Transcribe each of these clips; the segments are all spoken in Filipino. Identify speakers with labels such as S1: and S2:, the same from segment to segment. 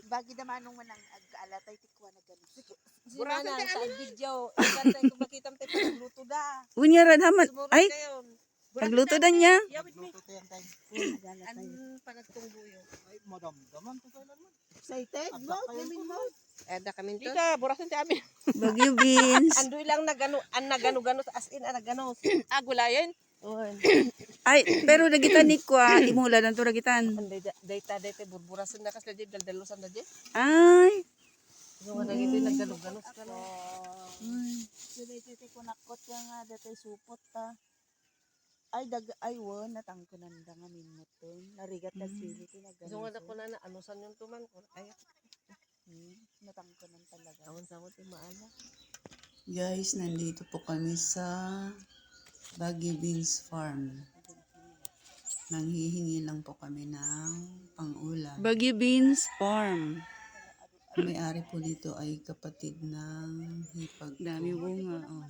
S1: Bagi naman nung manang ag-alatay tikwa na gano'n.
S2: Burasan tayo sa video. Ikan tayo kung makita mo tayo pagluto da.
S3: Unya ra naman.
S2: Sumurot
S3: Ay,
S2: kayo.
S3: nagluto na niya.
S2: Luto tayo tayo. An panagtungguyo.
S4: Ay, madam-daman to kailan man.
S1: Excited? Mouth, namin mouth.
S2: Ada kami to. Ika, burasan tayo amin.
S3: Bagyo beans.
S2: Andoy lang nagano as in nagano. Gulayan.
S3: Ay, pero nagitan ni kwa, imula lang to nagitan.
S2: Data burburasan na kasi di daldalusan na di.
S3: Ay.
S2: Yung nga nagito nagano-gano ka na.
S1: Dito ko nakot nga datay supot ta. Ay won natangkunan da nga minuton. Narigat na sili tinagano.
S2: So nga ko na anusan yung tuman ko. Ay,
S1: Natangkunan talaga.
S2: tawon-tawon ti maala.
S3: Guys, nandito po kami sa Bagyo Beans Farm. Nanghihingi lang po kami ng pang-ulam. Bagyo Beans Farm. Ang may-ari po dito ay kapatid ng hipag. Dami bunga. Oh.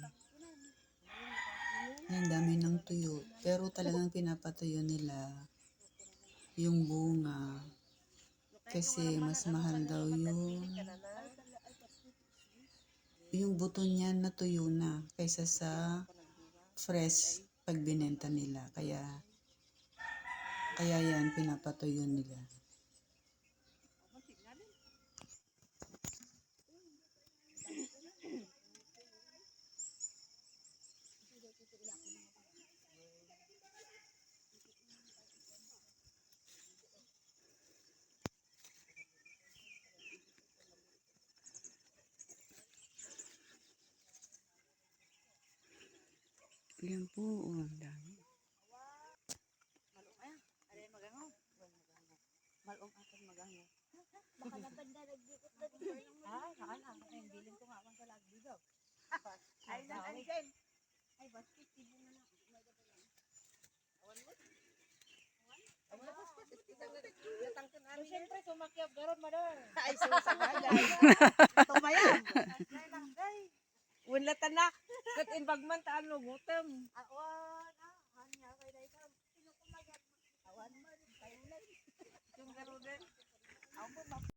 S3: Yan, dami ng tuyo. Pero talagang pinapatuyo nila yung bunga. Kasi mas mahal daw yung buto niya na tuyo na kaysa sa fresh pag binenta nila. Kaya yan, pinapatuyo nila. Yan po, ang dami.
S1: Malong akan magango. Baka nabanda nagdikot na dito. Saan ang bilin ko nga sa lagbigaw. Ay nang dyan. Ay basket tibo na.
S2: Siyempre sumakyap garon madar.
S1: Ay susagay. Tumayang.
S2: Unlatan na. Kat inbagman taan no gutom.
S1: Awan hanya kay dai ka. Sino kumagat? Awan mo kayo lang.
S2: Yung garudan.
S1: Ako